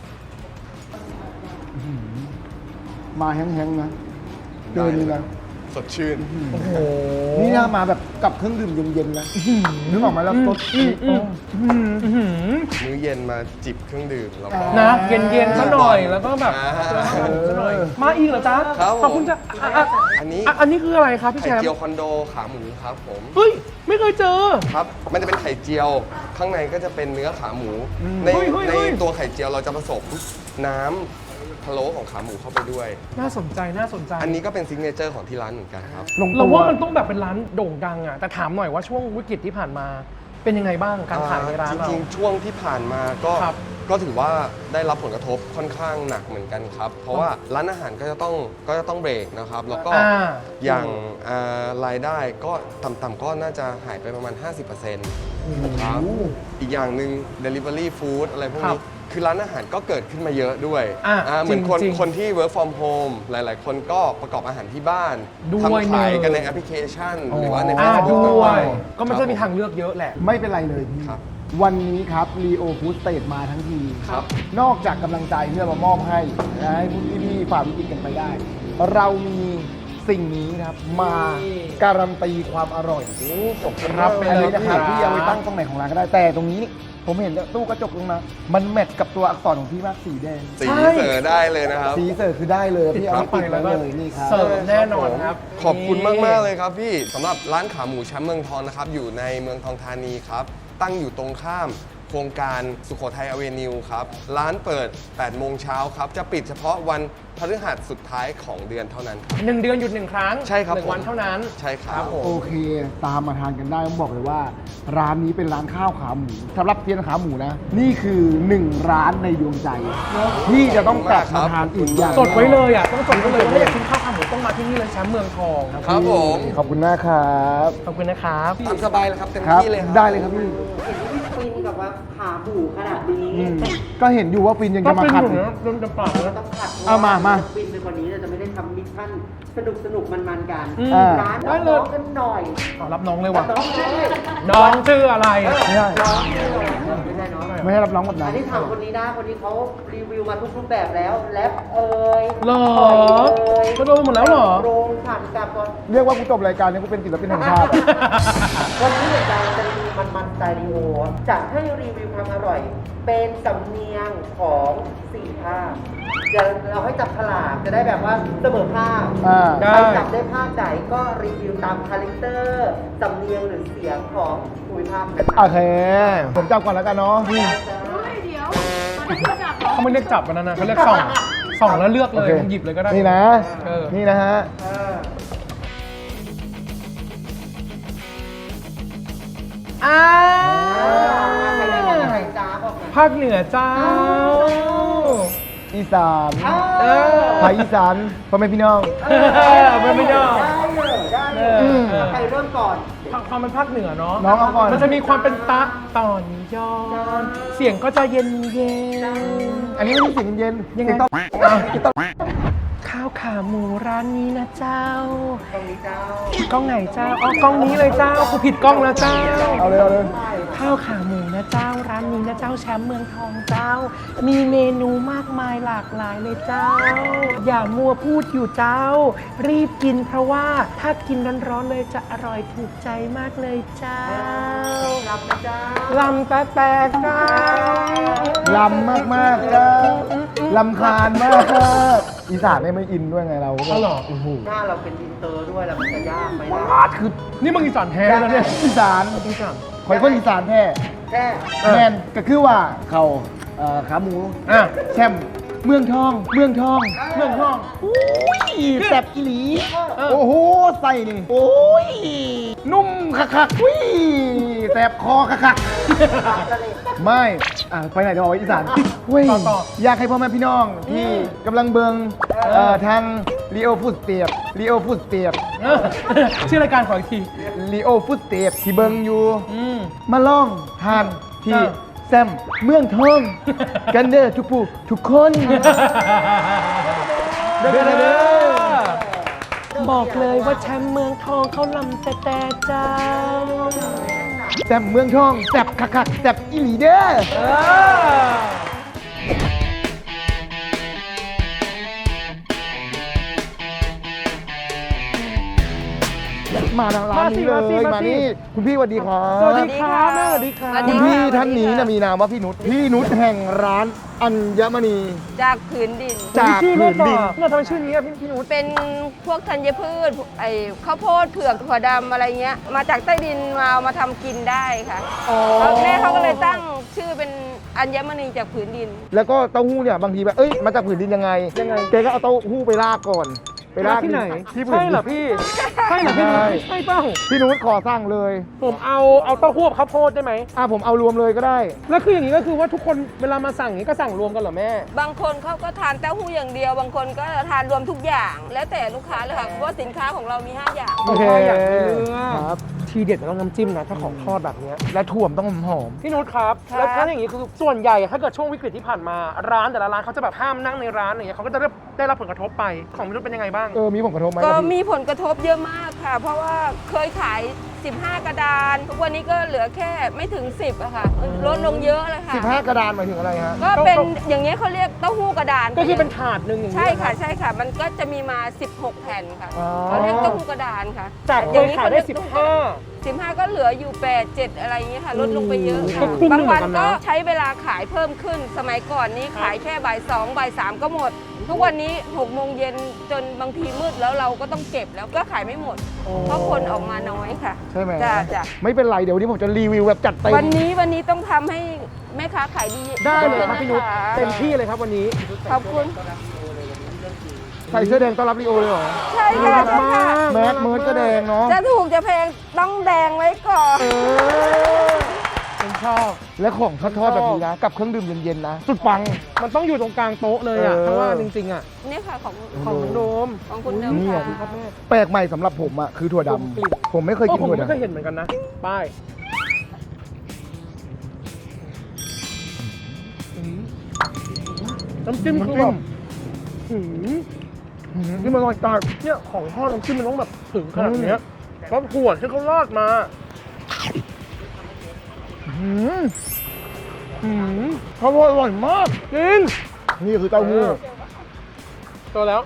[SPEAKER 1] มาแห้งๆนะเกินเลยนะ
[SPEAKER 5] สดชื่น
[SPEAKER 2] โอ้โห
[SPEAKER 1] นี่น่ามาแบบกับเครื่องดื่มเย็นๆนะนึกออกไหมแล้วรส
[SPEAKER 2] อืมอืมอืมอื้อหือ
[SPEAKER 5] มื้อเย็นมาจิบเครื่องดื่มแล้วก็
[SPEAKER 2] นะเย็นเย็นๆซะหน่อยแล้วก็แบบ
[SPEAKER 5] อ่า
[SPEAKER 2] แล้วก็หมูซะหน่อยมาอีกเหรอจ๊ะ
[SPEAKER 5] ครับผม
[SPEAKER 2] ขอบคุณจ้ะอ่ะอ่ะ
[SPEAKER 5] อันนี้
[SPEAKER 2] อ่ะอันนี้คืออะไรครับพี่
[SPEAKER 5] ไข่
[SPEAKER 2] แชมป์
[SPEAKER 5] เจียวคอนโดขาหมูครับผม
[SPEAKER 2] เฮ้ยไม่เคยเจอ
[SPEAKER 5] ครับ มันจะเป็นไข่เจียว ข้างในก็จะเป็นเนื้อขาหมู ใน
[SPEAKER 2] เฮ้ยเฮ้ย
[SPEAKER 5] ใน
[SPEAKER 2] เฮ้ย
[SPEAKER 5] ตัวไข่เจียวเราจะผสมน้ำพะโล้ของขาหมูเข้าไปด้วย
[SPEAKER 2] น่าสนใจน่าสนใจ
[SPEAKER 5] อันนี้ก็เป็นซิกเนเจอร์ของที่ร้านเหมือนกันครับ
[SPEAKER 1] ลง
[SPEAKER 2] เรา
[SPEAKER 1] ตัว
[SPEAKER 2] ว่ามันต้องแบบเป็นร้านโด่งดังอ่ะแต่ถามหน่อยว่าช่วงวิกฤตที่ผ่านมาเป็นยังไงบ้างการขายในร้าน
[SPEAKER 5] จ
[SPEAKER 2] เรา
[SPEAKER 5] ริงๆ ช่วงที่ผ่านมาก็
[SPEAKER 2] ครับ
[SPEAKER 5] ก็ถือว่าได้รับผลกระทบค่อนข้างหนักเหมือนกันครับ เพราะว่าร้านอาหารก็จะต้องก็จะต้องเบรกนะครับ แล้วก็
[SPEAKER 2] อ่า
[SPEAKER 5] อย่างอ่ารายได้ก็ต่ำๆก็น่าจะหายไปประมาณ ห้าสิบเปอร์เซ็นต์ ครับอีกอย่างหนึ่ง Delivery Food อะไรพวก
[SPEAKER 2] ครั
[SPEAKER 5] นี้
[SPEAKER 2] บ
[SPEAKER 5] คือร้านอาหารก็เกิดขึ้นมาเยอะด้วย
[SPEAKER 2] อ่ะ
[SPEAKER 5] อ่าเหมือนคน
[SPEAKER 2] จริงๆ
[SPEAKER 5] คนที่ work from home หลาย ๆ คนก็ประกอบอาหารที่บ้าน
[SPEAKER 2] ด้วย
[SPEAKER 5] ทำขาย
[SPEAKER 2] หนึ่ง
[SPEAKER 5] กันในแอปพลิเคชัน หรือว่าใน
[SPEAKER 2] อ่า
[SPEAKER 5] Facebook
[SPEAKER 2] ด้ว
[SPEAKER 5] ต่าง
[SPEAKER 2] ย
[SPEAKER 5] ๆ
[SPEAKER 2] ก็มันจะมี
[SPEAKER 5] ครับ
[SPEAKER 2] ทางเลือกเยอะแหละ
[SPEAKER 1] ไม่เป็นไรเลยพี่
[SPEAKER 5] ครับ
[SPEAKER 1] วันนี้ครับรีโอฟู้ดสเตทมาทั้งที
[SPEAKER 5] ครับ
[SPEAKER 1] นอกจากกำลังใจที่เรามามอบให้นะให้ผู้ที่พี่ฝ่าวิกฤตกันไปได้ เรามีสิ่งนี้นะครับมาการันตีความอร่อย
[SPEAKER 2] จบครับไป
[SPEAKER 1] อัน
[SPEAKER 2] เลย
[SPEAKER 1] นี้นะครับ
[SPEAKER 2] ครับ
[SPEAKER 1] พี่เอาไว้ตั้งตรงไหนของร้านก็ได้แต่ตรงนี้นี่ผมเห็นตู้กระจกตรงนั้นมันแมทกับตัวอักษรของพี่มากสีแดง
[SPEAKER 5] สีเสอได้เลยนะครับ
[SPEAKER 1] สีเสิร์ฟคือได้เลยพี่เอาไว้ติดไว้เลยนี่ครับ
[SPEAKER 2] เสิร์ฟแน่นอนครับ
[SPEAKER 5] ขอบคุณมาก ๆ เลยครับพี่สำหรับร้านขาหมูแชมป์เมืองทองนะครับ อยู่ในเมืองทองธานีครับ ตั้งอยู่ตรงข้ามโครงการสุโขทัยอเวนิวครับ ร้านเปิด แปด โมงเช้าครับ จะปิดเฉพาะวันพฤหัสสุดท้ายของเดือนเท่านั้นครับ
[SPEAKER 2] หนึ่งเดือนหยุดหนึ่งครั้ง
[SPEAKER 5] ใช่ครับ
[SPEAKER 2] หนึ่งวัน
[SPEAKER 5] ผม
[SPEAKER 2] เท่านั้น
[SPEAKER 5] ใช่ครับ
[SPEAKER 2] ผม
[SPEAKER 1] โอเค ตามมาทานกันได้ต้องบอกเลยว่า ร้านนี้เป็นร้านข้าวขาหมูสำหรับเทียนขาหมูนะ นี่คือหนึ่งร้านในดวงใจ ที่จะต้องกลับมาทานอีกอย่าง
[SPEAKER 2] จดไว้เลยอ่ะต้องจดไว้เลยถ้าอยากกินข้าวขาหมูต้องมาที่นี่เลยแชมป์เมืองทอง
[SPEAKER 5] ครับผม
[SPEAKER 1] ขอบคุณมากครับ
[SPEAKER 2] ขอบคุณนะครับ
[SPEAKER 5] ตามสบายเลยครับเต็ม
[SPEAKER 1] ครับ
[SPEAKER 5] ที่เลยครับ
[SPEAKER 1] ได้เลยครับพี่
[SPEAKER 6] ฟินกับว่าขาหมูขนาดนี้
[SPEAKER 1] อืมก็เห็นอยู่ว่าฟินยัง
[SPEAKER 2] ก็
[SPEAKER 1] จะมา
[SPEAKER 2] เป็น
[SPEAKER 1] ขัด
[SPEAKER 2] อยู่
[SPEAKER 1] อีก
[SPEAKER 2] นะโดนจะปากแล้ว
[SPEAKER 6] ต้องขัด
[SPEAKER 1] เอามามา
[SPEAKER 6] ฟินไปกว่านี้เราจะไม่ได้ทำมิชชั่นสนุกสนุกมันมันๆกัน
[SPEAKER 2] อืม
[SPEAKER 1] อ่า
[SPEAKER 6] ร้าน
[SPEAKER 2] ได้เลย
[SPEAKER 6] น้องกันหน่อย
[SPEAKER 2] เอารับน้องเลยว่ะ
[SPEAKER 6] น้องไม่ใช่
[SPEAKER 2] น้องชื่ออะไร
[SPEAKER 1] ไม่ใช่
[SPEAKER 6] น้องไม่ใช่น้อง
[SPEAKER 1] ไม่ให้รับน้องแบบนั้
[SPEAKER 6] อั
[SPEAKER 1] น
[SPEAKER 6] นนี้ถามคนนี้นะคนนี้เขารีวิวมาทุกรูปแบบแล้วแรปเอ่ย
[SPEAKER 2] เหรอ
[SPEAKER 6] ต่อยเอ่ย
[SPEAKER 2] ก็โดนหมดแล้วเหรอ
[SPEAKER 6] โรงผ่านกับก่อน
[SPEAKER 1] เรียกว่ากูจบรายการนี้กูเป็นศิลปินแห่งชาติ
[SPEAKER 6] วันนี้เนี่ยจะจะรีวิวมันมันสไตล์รีโอจะให้รีวิวความอร่อย เป็นสำเนียงของสี่ภาคเดี๋ยวเราให้จับฉลากจะได้แบบว่าเสมอภาค
[SPEAKER 1] อ่า
[SPEAKER 2] ได้
[SPEAKER 6] ใครจับได้ภาคไหนก็รีวิวตามคาแรคเตอร์สำเนียงหรือเสียงของภูมิภาคนั้น
[SPEAKER 1] โอเค ผมจับก่อนแล้วกันเนาะ
[SPEAKER 2] เขาไม่เรียกจับกันนะนะเขาเรียกส่องส่องแล้วเลือกเลย
[SPEAKER 1] โอค
[SPEAKER 2] มึงหยิบเลยก็ได้
[SPEAKER 1] นี่นะ
[SPEAKER 2] เออ
[SPEAKER 1] นี่นะฮะ
[SPEAKER 6] เออ
[SPEAKER 2] อ่า
[SPEAKER 6] ใครได้บอกใครจ้าบอกหน่อย
[SPEAKER 2] ภาคเหนือเจ้า
[SPEAKER 1] อีสาน
[SPEAKER 2] เออ
[SPEAKER 1] ภาคอีสานพ่อแม่พี่น้อง
[SPEAKER 2] เออไม่ไม่ยอม
[SPEAKER 6] ได้เลยได้เล
[SPEAKER 2] เอย อ
[SPEAKER 6] ใครเริ่มก่อน
[SPEAKER 2] ความเป็นภาคเหนือเนาะ
[SPEAKER 1] น้องเอาก่อน
[SPEAKER 2] มันจะมีความเป็นตะตอนย้อน เสียงก็จะเย็นเย็น
[SPEAKER 1] อันนี้ไม่ใช่เสียงเย็น
[SPEAKER 2] ยังไง
[SPEAKER 1] เสียงต้อง
[SPEAKER 2] อ้าวข้าวขาหมูร้านนี้นะเจ้า
[SPEAKER 6] ตรงนี้เจ้าก
[SPEAKER 2] ล้องไหนเจ้า อ๋อกล้องนี้เลยเจ้ากูผิดกล้องแล้วเจ้า
[SPEAKER 1] เอาเลยเอาเลย
[SPEAKER 2] ข้าวขาหมูนะเจ้า ร้านนี้นะเจ้าแชมป์เมืองทองเจ้า มีเมนูมากมายหลากหลายเลยเจ้า อย่ามัวพูดอยู่เจ้า รีบกินเพราะว่าถ้ากินร้อนๆเลยจะอร่อยถูกใจมากเลยเจ้า
[SPEAKER 6] รับนะเจ้า
[SPEAKER 2] ลำแต่แต่เจ้า
[SPEAKER 1] ลำมากมากๆจ้าลำคาญมากอีสานเนี่ยไม่อินด้วยไงเรา
[SPEAKER 2] อ๋อเหรอ
[SPEAKER 1] โอ้โห
[SPEAKER 6] หน้าเราเป็นอินเตอร์ด้วยแล้วมันจะยากไหมนะ
[SPEAKER 1] อาดคือ
[SPEAKER 2] นี่มึงอีสานแท้แล้วเนี่ย
[SPEAKER 1] อีสาน
[SPEAKER 2] อีสาน
[SPEAKER 1] ข่อยคนอีสานแท้
[SPEAKER 6] แค่
[SPEAKER 2] เออ
[SPEAKER 1] แมนก็คือว่าเขาเอ่อขาหมู
[SPEAKER 2] อ่ะ
[SPEAKER 1] แชมป์เมืองทอง เมืองทอง เมืองทองอุ้ยแซ่บอีหลี โอ้โหใส่นี่โอ้ยนุ่มคักๆอุ้ยแซ่บคอคักๆไม่อ่ะไปไหนเดี๋ยวเอาอีสานเว้ยอยากให้พ่อแม่พี่น้องที่กำลังเบิงเอ่อทางลีโอฟุตเตียบลีโอฟุตเตียบ
[SPEAKER 2] ชื่อรายการขออีกที
[SPEAKER 1] ลีโอฟุตเตียบที่เบิงอยู่
[SPEAKER 2] อืม
[SPEAKER 1] มาลองทานที่
[SPEAKER 2] เออ
[SPEAKER 1] แซมเมืองทองกันเด้อทุกผู้ทุกคน
[SPEAKER 2] เด้อเด้อบอกเลยว่าแชมป์เมืองทองเขาลำแต่แต่เจ้า
[SPEAKER 1] แซมเมืองทองแซบคักๆแซบอีหลีเด้อ
[SPEAKER 2] เออ
[SPEAKER 1] มาทางร้านนี้เลย
[SPEAKER 2] มาสิมาสิ
[SPEAKER 1] มานี่คุณพี่สวัสดีครับ
[SPEAKER 2] สวัสดีครับแม่สวัสดีครับ
[SPEAKER 7] สวัส
[SPEAKER 1] คุ
[SPEAKER 7] ดี
[SPEAKER 1] ณ
[SPEAKER 7] ค่ะ
[SPEAKER 1] พี่ท่านนี้นะมีนามว่าพี่นุชพี่นุชแห่งร้านอัญมณี
[SPEAKER 7] จากผืนดิน
[SPEAKER 1] จาก
[SPEAKER 2] ชื่อ
[SPEAKER 1] ผื
[SPEAKER 2] เล่น
[SPEAKER 1] น
[SPEAKER 2] ต่
[SPEAKER 1] ดิน
[SPEAKER 2] อเราทำไมชื่อนี้อะพี่พี่นุช
[SPEAKER 7] เป็นพวกธัญพืชไอ้ข้าวโพดเผือกถั่วดำอะไรเงี้ย มาจากใต้ดินมาเอามาทำกินได้ค่ะ
[SPEAKER 2] อ๋อ
[SPEAKER 7] แล้วแม่เขาก็เลยตั้งชื่อเป็นอัญมณีจากผืนดิน
[SPEAKER 1] แล้วก็เต้าหู้เนี่ยบางทีแบบเอ้ยมาจากผืนดินยังไง
[SPEAKER 2] ยังไง
[SPEAKER 1] แกก็เอาเต้าหู้ไปลากก่อนไปลาก
[SPEAKER 2] ที่ไหน
[SPEAKER 1] ที่ผืน
[SPEAKER 2] ใช่
[SPEAKER 1] ดิน
[SPEAKER 2] เหรอพี่ ใช่เหรอพี่นุชใช่เปล่า
[SPEAKER 1] พี่นุชขอสั่งเลย
[SPEAKER 2] ผมเอาเอาเต้าหู้กับข้าวโพดได้ไหม
[SPEAKER 1] อ่ะผมเอารวมเลยก็ได้
[SPEAKER 2] แล้วคืออย่างนี้ก็คือว่าทุกคนเวลามาสั่งอย่างนี้ก็สั่งรวมกันเหรอแม่
[SPEAKER 7] บางคนเขาก็ทานเต้าหู้อย่างเดียว บางคนก็ทานรวมทุกอย่าง แล้วแต่ลูกค้าเลยค่ะ เพราะว่าสินค้าของเรามี ห้า อย่าง
[SPEAKER 1] โอเค
[SPEAKER 2] อยากกินเนื้อ
[SPEAKER 1] ครับ
[SPEAKER 2] ทีเด็ดมันต้องน้ำจิ้มนะถ้าของทอดแบบเนี้ย
[SPEAKER 1] และถ่วมต้องหอม
[SPEAKER 2] พี่นุชครับ
[SPEAKER 7] ครับ
[SPEAKER 2] แล้วถ้าอย่างนี้คือส่วนใหญ่ถ้าเกิดช่วงวิกฤตที่ผ่านมาร้านแต่ละร้านเขาจะแบบห้ามนั่งในร้านอย่างเงี้ยเขาก็จะได้ได้รับผลกระทบไปของพี่นุชเป็นยังไงบ้าง
[SPEAKER 1] เออมีผลกระทบไหม
[SPEAKER 7] ก็
[SPEAKER 1] ครับพี่
[SPEAKER 7] มีผลกระทบเยอะมากค่ะ เพราะว่าเคยขาย สิบห้า กระดาน ทุกวันนี้ก็เหลือแค่ไม่ถึง สิบอะค่ะ ลดลงเยอะเลยค่ะ
[SPEAKER 1] สิบห้ากระดานหมายถึงอะไรฮะ
[SPEAKER 7] ก็เป็นอย่างเงี้ยเขาเรียกเต้าหู้กระดาน
[SPEAKER 2] ก็คือเป็นถาดหนึ่งอย่างนี้
[SPEAKER 7] ใช่ค่ะ
[SPEAKER 2] น
[SPEAKER 7] ใช่ค่ะ มันก็จะมีมา สิบหก แผ่นค่ะ
[SPEAKER 1] อ๋อ
[SPEAKER 7] เขาเรียกเต้าหู้กระดานค่ะ
[SPEAKER 2] จากเค
[SPEAKER 7] อย
[SPEAKER 2] ขายได้สิบห้า
[SPEAKER 7] สิบห้าก็เหลืออยู่แปด เจ็ดอะไรอย่างเงี้ยค่ะ ลดลงไปเยอะ
[SPEAKER 2] ก็
[SPEAKER 7] ค่ะ
[SPEAKER 2] ครึ่งหนึ่
[SPEAKER 7] บาง
[SPEAKER 2] งเหมื
[SPEAKER 7] วั
[SPEAKER 2] อน นกันนะ
[SPEAKER 7] ก็ใช้เวลาขายเพิ่มขึ้น สมัยก่อนนี้ขายแค่บ่ายสองบ่ายสามก็หมด ทุกวันนี้หกโมงเย็นจนบางทีมืดแล้วเราก็ต้องเก็บแล้วก็ขายไม่หมด เพราะคนออกมาน้อยค่ะ
[SPEAKER 1] ใช่ไหม
[SPEAKER 7] จ้ะจ้ะ
[SPEAKER 1] ไม่เป็นไรเดี๋ยววันนี้ผมจะรีวิวแบบจัดเต็ม
[SPEAKER 7] วันนี้วันนี้ต้องทำให้แม่ค้าขายดี
[SPEAKER 2] ได้เลยครับพี่นุช
[SPEAKER 7] ะะ
[SPEAKER 2] เต็มที่เลยครับวันนี้
[SPEAKER 7] ขอบคุณ
[SPEAKER 1] ใส่เสื้อแดงต้อนรับลีโอเลยเหรอ
[SPEAKER 7] ใช่ค่ะใช่ค่ะ
[SPEAKER 1] แมสเมิร์ดก็แดงเนาะ
[SPEAKER 7] จะถูกจะแพงต้องแดงไว้ก่อน
[SPEAKER 2] ผมชอบ
[SPEAKER 1] และของทอดๆแบบนี้นะ กับเครื่องดื่มเย็นๆนะ สุดปัง
[SPEAKER 2] มันต้องอยู่ตรงกลางโต๊ะเลยอ่ะ
[SPEAKER 1] เออ
[SPEAKER 2] เพราะว่าจริงๆอ่ะ
[SPEAKER 7] นี่ค่ะของ
[SPEAKER 2] ของน้องโดม
[SPEAKER 7] ของคุณเดิม
[SPEAKER 1] นี่
[SPEAKER 7] ค่ะ
[SPEAKER 1] อ่ะแปลกใหม่สำหรับผมอ่ะคือถั่วดำผมไม่เคยกิน
[SPEAKER 2] ผม
[SPEAKER 1] ถั่ว
[SPEAKER 2] ไม่เคย
[SPEAKER 1] ดำ
[SPEAKER 2] เห็นเหมือนกันนะ ป้ายน้ำจิ้มคือแบบหืม
[SPEAKER 1] อืมนี่มันอร่อยตาก
[SPEAKER 2] เนี่ยของทอดน้ำจิ้มมันต้องแบบถึงขนาดเนี้ยแล้วถั่วที่เขาราดมา
[SPEAKER 1] อืม
[SPEAKER 2] หืม
[SPEAKER 1] ข้าวโพดอร่อยมาก
[SPEAKER 2] จริง
[SPEAKER 1] นี่คือเต้าหู้
[SPEAKER 2] ตัวแล้ว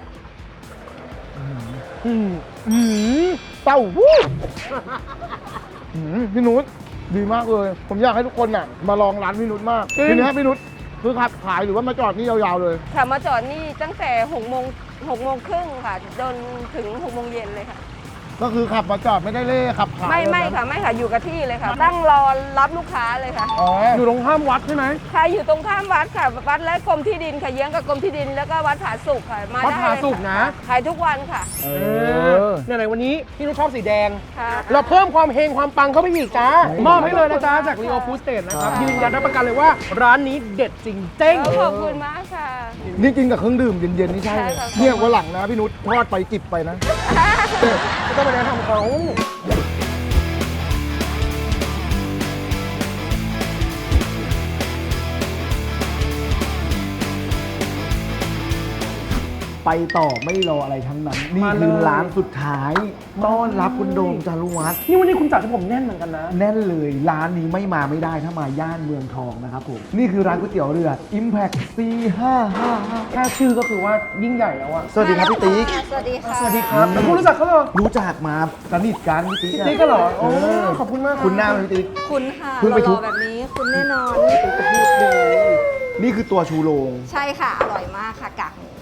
[SPEAKER 2] อืม
[SPEAKER 1] อืมเต้าหู้อืมพี่นุชดีมากเลย ผมอยากให้ทุกคนน่ะมาลองร้านพี่นุชมากทีนี้พี่นุชคือขับขายหรือว่ามาจอดนี่ยาวๆเลย
[SPEAKER 7] ค่ะมาจอดนี่ตั้งแต่หกโมงหกโมงครึ่งค่ะจนถึงหกโมงเย็นเลยค่ะ
[SPEAKER 1] ก็คือขับมาจอดไม่ได้เล่ขับขาย
[SPEAKER 7] ไม่ไม่
[SPEAKER 1] เลยน
[SPEAKER 7] ค่ะไม่ค่ะอยู่กับที่เลยค่ะ ตั้งรอรับลูกค้าเลยค่ะ
[SPEAKER 1] อ๋อ
[SPEAKER 2] อยู่ตรงข้ามวัดใช่ไหม
[SPEAKER 7] ค่ะอยู่ตรงข้ามวัดค่ะวัดและกรมที่ดินค่ะเยื้องกับกรมที่ดินแล้วก็วัดผาสุกค่ะมา
[SPEAKER 2] วัด
[SPEAKER 7] ได้
[SPEAKER 2] ผา
[SPEAKER 7] เลย
[SPEAKER 2] สุก
[SPEAKER 7] ค่ะ
[SPEAKER 2] นะ
[SPEAKER 7] ขายทุกวันค่ะ
[SPEAKER 1] เอ
[SPEAKER 2] เอ
[SPEAKER 1] อ
[SPEAKER 2] อเนี่ยไหนวันนี้พี่นุชชอบสีแดง
[SPEAKER 7] ค่ะ
[SPEAKER 2] เราเพิ่มความเฮงความปังเข้าไปอีกจ้า
[SPEAKER 1] เฮ้ย
[SPEAKER 2] มอบให้เลยนะจ๊ะจาก Rio Food State นะครับ
[SPEAKER 1] ครับ
[SPEAKER 2] ยืนยันรับประกันเลยว่าร้านนี้เด็ดจริงเจ้ง
[SPEAKER 7] ขอบคุณมากค่ะ
[SPEAKER 1] นี่กินกับเครื่องดื่มเย็นๆนี่ใช่เลย
[SPEAKER 7] ใช่ค่ะ
[SPEAKER 1] เนี่ยวันหลังนะพี่นุชทอดไปจิบไปนะ
[SPEAKER 2] ไม่ต้องมาแนะนำเขา
[SPEAKER 1] ไปต่อไม่รออะไรทั้งนั้น นี่คือร้านสุดท้าย ต้อนรับคุณโดมจารุวัฒน์
[SPEAKER 2] นี่วันนี้คุณจัดให้ผมแน่นเหมือนกันนะ
[SPEAKER 1] แน่นเลยร้านนี้ไม่มาไม่ได้ถ้ามาย่านเมืองทองนะครับผม นี่คือร้านก๋วยเตี๋ยวเรือ Impact สี่ห้าห้าห้า
[SPEAKER 2] แค่ชื่อก็คือว่ายิ่งใหญ่แล้วอะ
[SPEAKER 1] สวัสดีครับพี่ติ๊ก
[SPEAKER 7] สวัสดีค่ะ
[SPEAKER 2] สวัสดีครับแล้วคุณรู้จักเขาเหรอ
[SPEAKER 1] รู้จักมาสนิทกันพี่ติ๊ก
[SPEAKER 2] พี่
[SPEAKER 1] อะ
[SPEAKER 2] ติ๊กก็เหรอโอ้
[SPEAKER 1] เออ
[SPEAKER 2] ขอบคุณมาก
[SPEAKER 1] คุณหน้าไหมพี่ติ๊ก
[SPEAKER 8] คุณค่ะ
[SPEAKER 1] เพิ่งไปทุบ
[SPEAKER 8] หล่อๆแบบนี้คุณแน่นอน
[SPEAKER 1] นี่คือตัวชูโรง
[SPEAKER 8] ใช่ค่ะ อร่อยมากค่ะกากหมู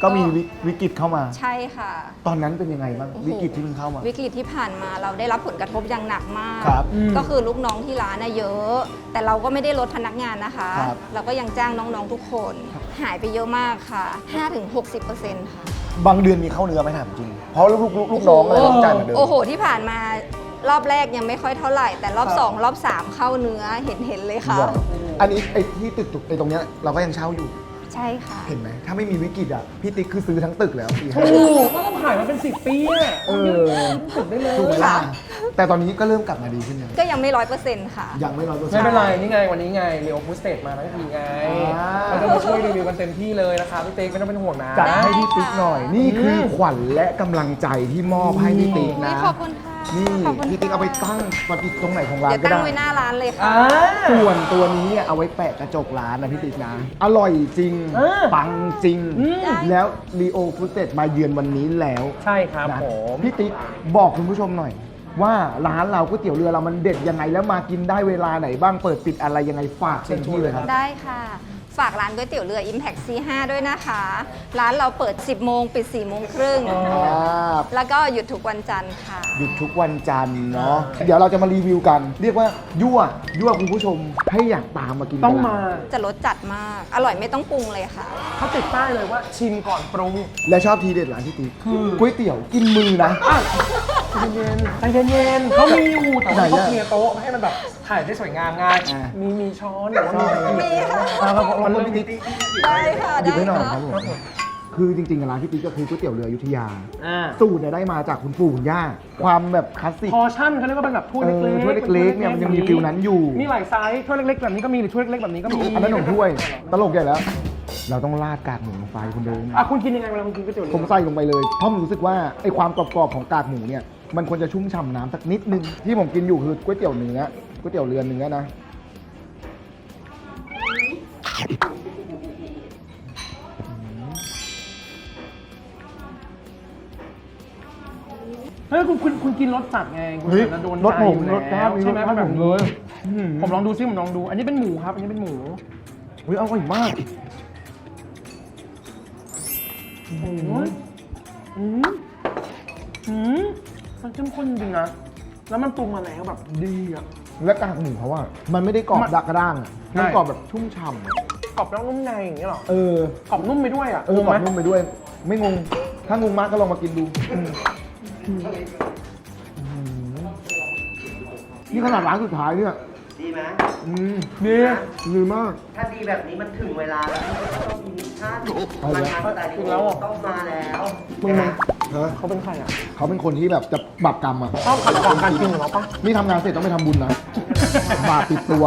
[SPEAKER 1] ก็มีวิวิกฤตเข้ามา
[SPEAKER 8] ใช่ค่ะ
[SPEAKER 1] ตอนนั้นเป็นยังไงบ้าง
[SPEAKER 8] โอ้โห
[SPEAKER 1] วิกฤตที่มันเข้ามา
[SPEAKER 8] วิกฤตที่ผ่านมาเราได้รับผลกระทบอย่างหนักมาก
[SPEAKER 1] ครับ
[SPEAKER 8] ก็คือลูกน้องที่ร้านน่ะเยอะ แต่เราก็ไม่ได้ลดพนักงานนะคะ
[SPEAKER 1] ครับ
[SPEAKER 8] เราก็ยังจ้างน้องๆทุกคน หายไปเยอะมากค่ะ ห้าถึงหกสิบเปอร์เซ็นต์ ค่ะ
[SPEAKER 1] บางเดือนมีเข้าเนื้อไหมถามจริง เพราะลูกลูกลูกลูกน้องอะไรต้องจ่ายเหมือนเดิม
[SPEAKER 8] โอ้โห ที่ผ่านมารอบแรกยังไม่ค่อยเท่าไหร่ แต่รอบสองรอบสามเข้าเนื้อเห็นเห็นเลยค่ะ
[SPEAKER 1] เหรออันนี้ไอ้ที่ตึกตึกไอ้ตรงเนี้ยเราก็ยังเช่าอยู่
[SPEAKER 8] ใช่ค่ะ
[SPEAKER 1] เห็นไหมถ้าไม่มีวิกฤตอ่ะพี่ติ๊กคือซื้อทั้งตึกแล้วปีห้า
[SPEAKER 2] ถูกก็ต้องขายมาเป็นสิบปีอะ
[SPEAKER 1] เออ
[SPEAKER 2] ถูกได้เลย
[SPEAKER 1] ถูกไหมล่ะ
[SPEAKER 8] ค่ะ
[SPEAKER 1] แต่ตอนนี้ก็เริ่มกลับมาดีขึ้นยัง
[SPEAKER 8] ก็ยังไม่ร้อยเปอร์เซ็นต์ค่ะ
[SPEAKER 1] ยังไม่ร้อยเปอร์เซ็น
[SPEAKER 2] ไม่
[SPEAKER 1] ต์
[SPEAKER 2] เป็นไร นี่ไงวันนี้ไงเรียวฟูสเตทมาทั้งทีไง
[SPEAKER 1] อ่า
[SPEAKER 2] เราจะมาช่วยรีวิวกันเต็มที่เลยนะคะพี่เต๊กไม่ต้องเป็นห่วงนะ
[SPEAKER 1] จัดให้พี่ติ๊กหน่อย นี่คือขวัญและกำลังใจที่มอบให้พี่ติ๊กนะ
[SPEAKER 8] ขอบคุณค่ะ
[SPEAKER 1] นี่
[SPEAKER 8] ขอบคุณ
[SPEAKER 1] พี่ติ๊กเอาไปตั้งปฏิตรงไหนของร้า
[SPEAKER 8] เดี๋
[SPEAKER 1] น
[SPEAKER 8] ยว
[SPEAKER 1] ก็
[SPEAKER 8] ตั้ง
[SPEAKER 1] ได้
[SPEAKER 8] ไว้หน้าร้านเลยค่ะ
[SPEAKER 2] อ่า
[SPEAKER 1] ส่วนตัวนี้เนี่ยเอาไว้แปะกระจกร้านนะพี่ติ๊กนะ อร่อยจริง
[SPEAKER 2] เออ
[SPEAKER 1] ปังจริง
[SPEAKER 2] อืม
[SPEAKER 1] แล้วรีโอฟูเต มาเยือนวันนี้แล้ว
[SPEAKER 2] ใช่ครับ
[SPEAKER 1] นะ
[SPEAKER 2] ผม
[SPEAKER 1] พี่ติ๊กบอกคุณผู้ชมหน่อย ว่าร้านเราก๋วยเตี๋ยวเรือเรามันเด็ดยังไงแล้วมากินได้เวลาไหนบ้างเปิดปิดอะไรยังไงฝากเต็มที่เลยครับ
[SPEAKER 8] ได้ค่ะ ฝากร้านก๋วยเตี๋ยวเรือ Impact ซี ห้า ด้วยนะคะ ร้านเราเปิด สิบโมงปิด สี่โมงครึ่ง แล้วก็หยุดทุกวันจันทร์ค่ะ
[SPEAKER 1] หยุดทุกวันจันทร์เนาะเดี๋ยวเราจะมารีวิวกัน เรียกว่ายั่วยั่วคุณผู้ชมให้อยากตามมากิน
[SPEAKER 2] ต้องมา
[SPEAKER 8] จะรสจัดมาก อร่อยไม่ต้องปรุงเลยค่ะ
[SPEAKER 2] เขาติดป้ายเลยว่าชิมก่อนปรุง
[SPEAKER 1] และชอบทีเด็ดร้านที่ติ๊กก๋วยเตี๋ยวกินมือนะ
[SPEAKER 2] อ่ะใจเย็นๆใจเย็นๆเขามีอยู่แต่ว่า
[SPEAKER 1] ไหน
[SPEAKER 2] เขา
[SPEAKER 1] อะ
[SPEAKER 2] เคลียร์โต๊ะให้มันแบบถ่ายได้สวยงามไง
[SPEAKER 1] อ่ะ
[SPEAKER 2] มีมีช้อนหรือว่ามีอะไร
[SPEAKER 8] มีค่ะ
[SPEAKER 1] อ่าครับผมรบพี่ติ๊ก
[SPEAKER 8] ได้ค่ะ
[SPEAKER 1] หยิบ
[SPEAKER 8] ได้
[SPEAKER 1] ให้หน่อย
[SPEAKER 8] ค่ะ
[SPEAKER 1] ครับผมคือจริงๆร้านพี่ติ๊กก็คือก๋วยเตี๋ยวเรืออยุธยา
[SPEAKER 2] อ่า
[SPEAKER 1] สูตรเนี่ยได้มาจากคุณปู่คุณย่า ความแบบคลาสสิก
[SPEAKER 2] พอชั่นเขาเรียกว่าเป็นแบบถ้วย
[SPEAKER 1] เอ
[SPEAKER 2] เล็
[SPEAKER 1] อก
[SPEAKER 2] ๆ
[SPEAKER 1] ถ้วยเล็กๆเนี่ยมันยังมีฟิลนั้นอยู่
[SPEAKER 2] มีหลายไซส์ถ้วยเล็กๆแบบนี้ก็มีหรือถ้วยเล็กๆแบบนี้ก็มี
[SPEAKER 1] อันนั้นหนมถ้วย ตลกใหญ่แล้ว เราต้องราดกากหมูลงไปคุณเดิน
[SPEAKER 2] อ่ะคุณกินยังไงเวลาคุณกินก๋วยเตี๋ยวเรือ
[SPEAKER 1] ผมใส่ลงไปเลย เพราะผมรู้สึกว่าไอ้ความกรอบๆของกากหมูเนี่ย มันควรจะชุ่มฉ่ำน้ำสักนิดนึง ที่ผมกินอยู่คือก๋วยเตี๋ยวเนื้อก๋วยเตี๋ยวเรือเนื้อนะ
[SPEAKER 2] เฮ้ยคุณคุณคุณกินรสจัดไงคุณ
[SPEAKER 1] เฮ้ย
[SPEAKER 2] จะโดน
[SPEAKER 1] รสผม
[SPEAKER 2] ใจอยู่
[SPEAKER 1] รสชาติ
[SPEAKER 2] แล้วใช่ไหม
[SPEAKER 1] รสชาติ
[SPEAKER 2] แบบ
[SPEAKER 1] ผมเลย
[SPEAKER 2] ผมลองดูซิผมลองดู อันนี้เป็นหมูครับ อันนี้เป็นหมู
[SPEAKER 1] เฮ้ยอร่อยมาก
[SPEAKER 2] อืมอืมอืมมันเข้มข้นจริงนะ แล้วมันปรุงมาแล้วแบบดีอ่ะ
[SPEAKER 1] และกากหมูเขาอะมันไม่ได้กรอบ
[SPEAKER 2] มัน
[SPEAKER 1] ดักกระด้างอะ
[SPEAKER 2] ใช่
[SPEAKER 1] มันกรอบแบบชุ่มฉ่ำอะ
[SPEAKER 2] กรอบแล้วนุ่มในอย่างเงี้ยเหรอ
[SPEAKER 1] เออ
[SPEAKER 2] กรอบนุ่มไปด้วยอ่ะ
[SPEAKER 1] เออกรอบ
[SPEAKER 2] ถูกไหม
[SPEAKER 1] นุ่มไปด้วย ไม่งง ถ้างงมากก็ลองมากินดูอืมนี่ขนาดร้านสุดท้ายเนี่ย
[SPEAKER 6] ดีไหม
[SPEAKER 1] อืม
[SPEAKER 2] ดี
[SPEAKER 1] ดีมาก
[SPEAKER 6] ถ้าดีแบบนี้มันถึงเวลาแล้วที่จะต้องมีมิชชั่น
[SPEAKER 1] เอา
[SPEAKER 6] มัน
[SPEAKER 1] เลย
[SPEAKER 6] มาสไตล์
[SPEAKER 2] ถึ
[SPEAKER 6] นี้
[SPEAKER 2] งแล้วเหรอ
[SPEAKER 6] ต้องมาแล้ว
[SPEAKER 2] มึง
[SPEAKER 6] นะ
[SPEAKER 1] ฮะ
[SPEAKER 2] เขาเป็นใครอ่ะ
[SPEAKER 1] เขาเป็นคนที่แบบจะบาปกรรมอะ
[SPEAKER 2] ชอบขัดขวางการกินของเราปะ
[SPEAKER 1] นี่ทำงานเสร็จต้องไปทำบุญนะ บาปติดตัว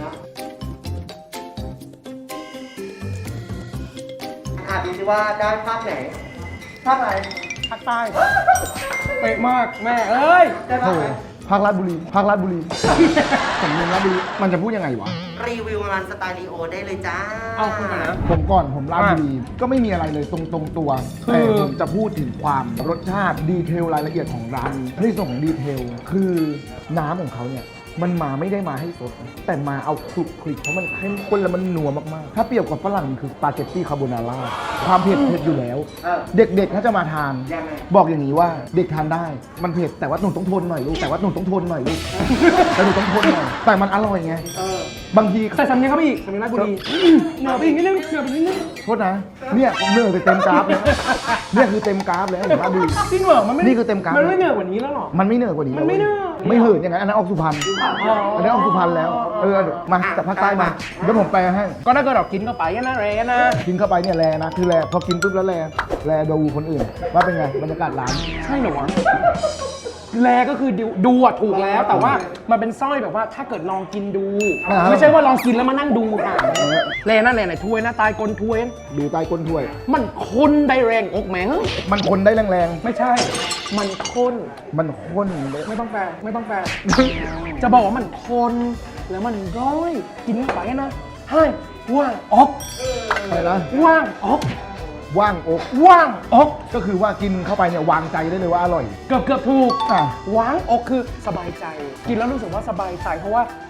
[SPEAKER 6] อ่ะดูสิว่าได้ภาคไหนภาคอะไร
[SPEAKER 2] ภาคใต้เป๊ะมากแม่เอ้ย
[SPEAKER 6] ได้ภาคไหน
[SPEAKER 1] ภาคราชบุรี ภาคราชบุรี สำเนียงราชบุรี มันจะพูดยังไงวะ
[SPEAKER 6] รีวิวร้านสไตล์ลีโอได้เลยจ้า
[SPEAKER 2] เอาคุณก่อนนะ
[SPEAKER 1] ผมก่อนผมราชบุรี ก็ไม่มีอะไรเลยตรงตรงๆตัว
[SPEAKER 2] คือ
[SPEAKER 1] แต่ผมจะพูดถึงความรสชาติดีเทลรายละเอียดของร้านนี้ในส่วนของดีเทล คือน้ำของเขาเนี่ย มันมาไม่ได้มาให้สด แต่มาเอาคลุกคลิกเพราะมันเข้มข้นและมันนัวมากๆ ถ้าเปรียบกับฝรั่งคือสปาเกตตี้คาโบนาร่าความเผ็ดเผ็ดอยู่แล้ว
[SPEAKER 6] เออ
[SPEAKER 1] เด็กๆถ้าจะมาทาน
[SPEAKER 6] ยังไง
[SPEAKER 1] บอกอย่างนี้ว่าเด็กทานได้ มันเผ็ดแต่ว่าหนูต้องทนหน่อยลูก แต่ว่าหนูต้องทนหน่อยลูก แต่หนูต้องทนหน่อย แต่มันอร่อยไง
[SPEAKER 6] เออ
[SPEAKER 1] บางที
[SPEAKER 2] ใส่สำเนียงเข้าไปอีกสำเนียงราชบุรีเหนือไปอีกนิดนึงเหนือไปอีกนิดนึง
[SPEAKER 1] โทษนะ เนี่ยเหนื่อยไปเต็มกราฟแล้วเนี่ยคือเต็มกราฟแล้วเห็นปะดู
[SPEAKER 2] จริงเหรอมันไม่
[SPEAKER 1] นี่คือเต็มกราฟ
[SPEAKER 2] มันไม่เหนือกว่านี้แล้วเหรอ
[SPEAKER 1] มันไม่เหนื่อยกว่านี้
[SPEAKER 2] มันไม่เหนื่อย
[SPEAKER 1] ไม่เหินอย่างนั้นอันนั้นออกสุพรรณ
[SPEAKER 2] อ๋อ
[SPEAKER 1] อันนั้นออกสุพรรณแล้ว เออ มาจากภาคใต้มาเดี๋ยวผมแปลให้
[SPEAKER 2] ก็ถ้าเกิดเรากินเข้าไปนะเรนะ
[SPEAKER 1] กินเข้าไปเนี่ยแลนะ คือแลพอกินปุ๊บแล้วแลแลดูคนอื่น ว่าเป็นไงบรรยากาศร้าน
[SPEAKER 2] ใช่เหรอวะแลก็คือดูดูอะถูกแล้ว แต่ว่ามันเป็นสร้อยแบบว่าถ้าเกิดลองกินดู
[SPEAKER 1] อ่า
[SPEAKER 2] ไม่ใช่ว่าลองกินแล้วมานั่งดูค่ะแลนั่นแหละไหนถ้วยนะตายกลถ้วย
[SPEAKER 1] ดูใต้ก้นถ้วย
[SPEAKER 2] มันคนได้แรงอกแหมง
[SPEAKER 1] มันคนได้แรง
[SPEAKER 2] ไม่ใช่ มันข้น
[SPEAKER 1] ๆ มันข้นเลย
[SPEAKER 2] ไม่ต้องแปลไม่ต้องแปล จะบอกว่ามันคนแล้วมันร้อยกินเข้าไปนะให้ว่างออก
[SPEAKER 1] อะไรนะ
[SPEAKER 2] ว่างออก
[SPEAKER 1] ว่างอก
[SPEAKER 2] ว่างออก
[SPEAKER 1] ก็คือว่ากินเข้าไปเนี่ยวางใจได้เลยว่าอร่อย
[SPEAKER 2] เกือบเกือบถูก
[SPEAKER 1] อ่ะ
[SPEAKER 2] ว้างอกคือสบายใจ กินแล้วรู้สึกว่าสบายใจ เพราะว่า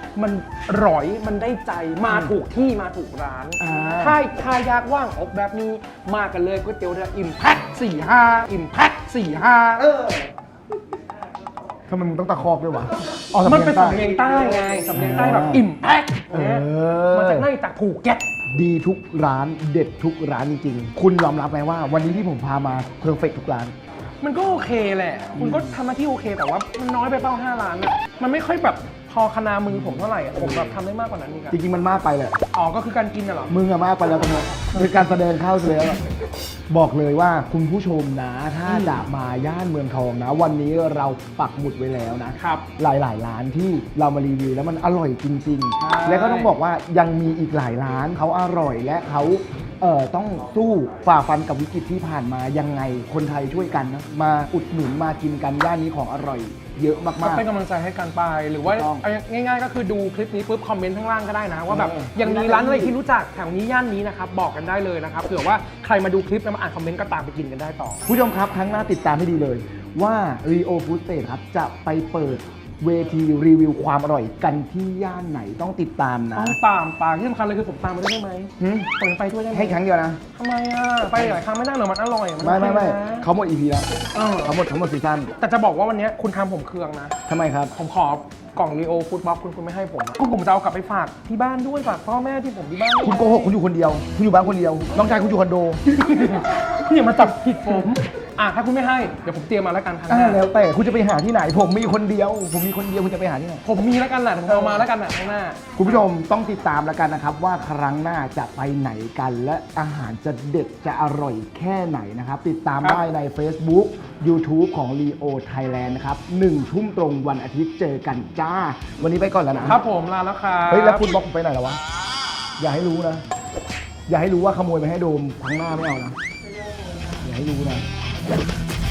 [SPEAKER 2] มันร้อยมันได้ใจมาถูกที่มาถูกร้าน
[SPEAKER 1] อ่า
[SPEAKER 2] ถ้าถ้าอยากว่างออกแบบนี้มากันเลยก๋วยเตี๋ยวเรืออิมแพ็คสี่ห้าอิมแพ็คสี่ห้าเออ
[SPEAKER 1] ทำไมมึงต้องตะคอกด้วยวะอ๋อ
[SPEAKER 2] มันเป็นสำเนียงใต้ไงสำเนียงใต้แบบอิมแพ็ค
[SPEAKER 1] เอ
[SPEAKER 2] เนี่ย
[SPEAKER 1] อ
[SPEAKER 2] มาจากในจากภูเก็ต
[SPEAKER 1] ดีทุกร้านเด็ดทุกร้านจริงๆ คุณยอมรับไหมว่าวันนี้ที่ผมพามาเพอร์เฟกทุกร้าน
[SPEAKER 2] มันก็โอเคแหละ คุณก็ทำหน้าที่โอเค แต่ว่ามันน้อยไปเป้าห้าล้านอะมันไม่ค่อยแบบพอคณามือผมเท่าไหร่อะผมแบบทำได้มากกว่านั้นอีกอะ
[SPEAKER 1] จริงๆมันมากไปแหละ
[SPEAKER 2] อ๋อ ก็คือการกินน่ะเหรอ
[SPEAKER 1] มึงอะมากไปแล้วตรงนี้เป็นการแสดงเข้าเสียแล้วบอกเลยว่าคุณผู้ชมนะ ถ้าจะมาย่านเมืองทองนะ วันนี้เราปักหมุดไว้แล้วนะ
[SPEAKER 2] ครับ
[SPEAKER 1] หลายๆ ร้านที่เรามารีวิวแล้วมันอร่อยจริง
[SPEAKER 2] ใช่
[SPEAKER 1] ๆ และก็ต้องบอกว่ายังมีอีกหลายร้านเขาอร่อยและเขาเอ่อต้องสู้ฝ่าฟันกับวิกฤตที่ผ่านมายังไงคนไทยช่วยกันนะมาอุดหนุนมากินกันย่านนี้ของอร่อย เยอะ
[SPEAKER 2] ก็
[SPEAKER 1] มาก
[SPEAKER 2] เป็นกำลังใจให้กันไป หรือว่า
[SPEAKER 1] ถูกต้อง
[SPEAKER 2] เอาง่ายๆ ก็คือดูคลิปนี้ปุ๊บคอมเมนต์ข้างล่างก็ได้นะ ว่าแบบ
[SPEAKER 1] เออ
[SPEAKER 2] ยังมีร้านอะไรที่รู้จักแถวนี้ย่านนี้นะครับบอกกันได้เลยนะครับเผื่อว่าใครมาดูคลิปแล้วมาอ่านคอมเมนต์ก็ตามไปกินกันได้ต่อ
[SPEAKER 1] ๆผู้ชมครับครั้งหน้าติดตามให้ดีเลยว่า Rio Food State ครับจะไปเปิดเวทีรีวิวความอร่อยกันที่ย่านไหนต้องติดตามนะ
[SPEAKER 2] ต้องตามปากที่สำคัญเลยคือผมตามไปด้วยได้ไหม
[SPEAKER 1] หึ
[SPEAKER 2] ผมไปด้วยได้ไหม
[SPEAKER 1] ให้ครั้งเดียวนะ
[SPEAKER 2] ทำไมอ่ะไปหลายครั้งไม่ได้เหรอมันอร่อยน
[SPEAKER 1] ไม่ไม่ไม่
[SPEAKER 2] โอคนะ
[SPEAKER 1] เขาหมด อี พี แล้ว
[SPEAKER 2] เออ
[SPEAKER 1] เขาหมดทั้งหมดซีซั่น
[SPEAKER 2] แต่จะบอกว่าวันนี้คุณทำผมเคืองนะ
[SPEAKER 1] ทำไมครับ
[SPEAKER 2] ผมขอกล่องรีโอฟู้ดบ็อกคุณคุณไม่ให้ผมอะก็ผมจะเอากลับไปฝากที่บ้านด้วยฝากพ่อแม่ที่ผมที่บ้านด้วย
[SPEAKER 1] คุณโกหกคุณอยู่คนเดียว คุณอยู่บ้านคนเดียว น้องชายคุณอยู่คอนโด
[SPEAKER 2] อย่ามาจับผิดผมอ่ะถ้าคุณไม่ให้เดี๋ยวผมเตรียมมาแล้วกันครั้งห
[SPEAKER 1] อ่า
[SPEAKER 2] น้า
[SPEAKER 1] แล้วแต่คุณจะไปหาที่ไหน ผมมีคนเดียว ผมมีคนเดียวคุณจะไปหาที่ไหน
[SPEAKER 2] ผมมีแล้วกันแหละผมเอามาแล้วกันนะข้างหน้า
[SPEAKER 1] คุณผู้ชมต้องติดตามแล้วกันนะครับ ว่าครั้งหน้าจะไปไหนกันและอาหารจะเด็ดจะอร่อยแค่ไหนนะครับ ติดตาม
[SPEAKER 2] ครับ
[SPEAKER 1] ได้ใน Facebook YouTube ของ Leo Thailand นะครับหนึ่งทุ่มตรงวันอาทิตย์เจอกันจ้า วันนี้ไปก่อนแล้วนะ
[SPEAKER 2] ครับผมลาแล้วครับ
[SPEAKER 1] เฮ้ยแล้วคุณบล็อกผมไปไหนแล้ววะ อย่าให้รู้นะ อย่าให้รู้ว่าขโมยไปให้โดมครั้งหน้าไม่เอานะ อย่าให้รู้นะ